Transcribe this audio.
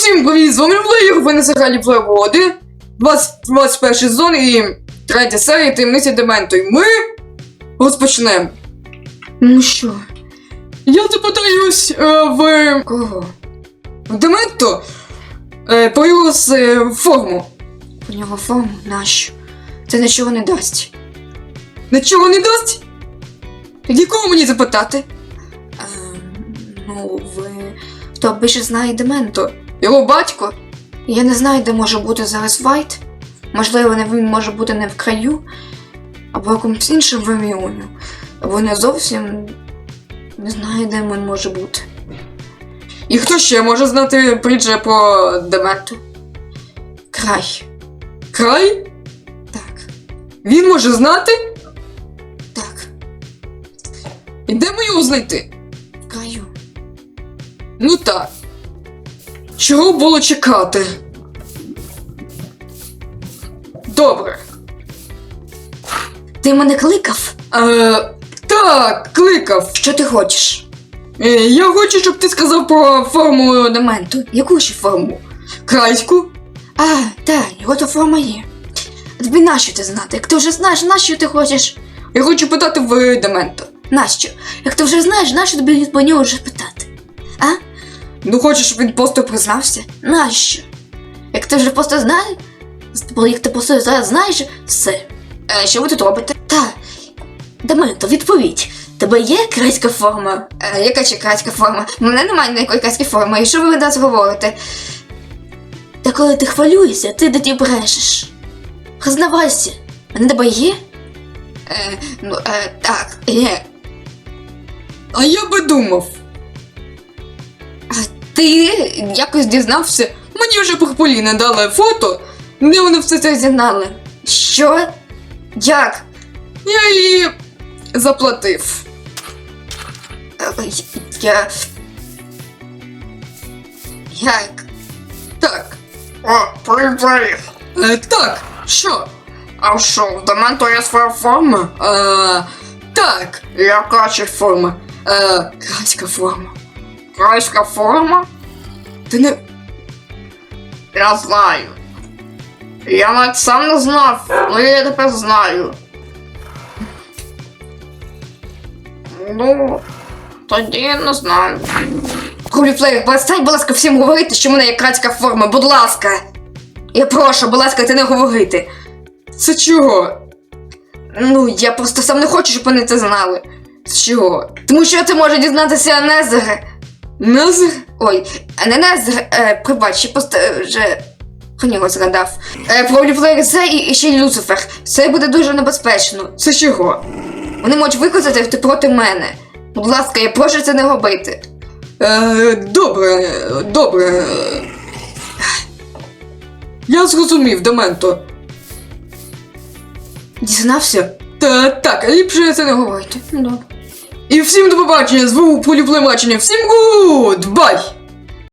Усім привіт, з вами Плеєр, ви на серіалі Плеєр 1, 21 сезон і 3 серія Таємниці Дементу. І ми розпочнемо. Ну що? Я запитаюсь в... Кого? В Дементу про його форму. Про нього форму? Нащо? Це нічого не дасть. Нічого не дасть? Тоді кого мені запитати? Хто більше знає Дементу? Його батько? Я не знаю, де може бути зараз Вайт. Можливо, він може бути не в краю, або в якомусь іншому регіоні. Або не зовсім не знаю, де він може бути. І хто ще може знати притчу про Дементу? Край. Край? Так. Він може знати? Так. І де ми його знайти? В краю. Ну так. Чого було чекати? Добре. Ти мене кликав? Так, кликав. Що ти хочеш? Я хочу, щоб ти сказав про форму Дементу. Яку ще форму? Крайську? Так, його то форма є. Тобі нащо ти знати? Як ти вже знаєш, нащо ти хочеш? Я хочу питати в Демента. Нащо? Як ти вже знаєш, нащо тобі по нього вже питати? Ну хочеш, щоб він просто признався? Нащо? Як ти вже просто знаєш? Як ти просто зараз знаєш все. Що ви тут робите? Дементо, відповідь. Тебе є крайська форма? Яка ще крайська форма? У мене немає ніякої крайської форми. І що ви від нас говорите? Та коли ти хвилюєшся, ти тоді брешеш. Признавайся. Мене тебе є? Так, є. А я би думав. Ти якось дізнався? Мені вже Поліна дали фото, де вони все це зізнали. Що? Як? Я їй заплатив. Як? Так. Привіт. Так, що? А що, в Дементу є своя форма? Так. Яка ще форма? Крайська форма. Крайська форма? Ти не... Я знаю. Я навіть сам не знав, але я тепер знаю. Ну, тоді я не знаю. Куліплеєр, перестань, будь ласка, всім говорити, що в мене є крайська форма, будь ласка. Я прошу, будь ласка, ти не говорити. Це чого? Ну, я просто сам не хочу, щоб вони це знали. З чого? Тому що це може дізнатися Незер. Незер? Ой, не Незер, пробач, я просто вже про нього згадав. Про Оліплеєр це і ще й Люцифер. Це буде дуже небезпечно. Це чого? Вони можуть використати проти мене. Будь ласка, я прошу це не робити. Добре. Я зрозумів, Дементо. Дізнався? Так, ліпше це не говорити. Добре. І всім до побачення, звук поліплемачення. Всім гуд! Бай!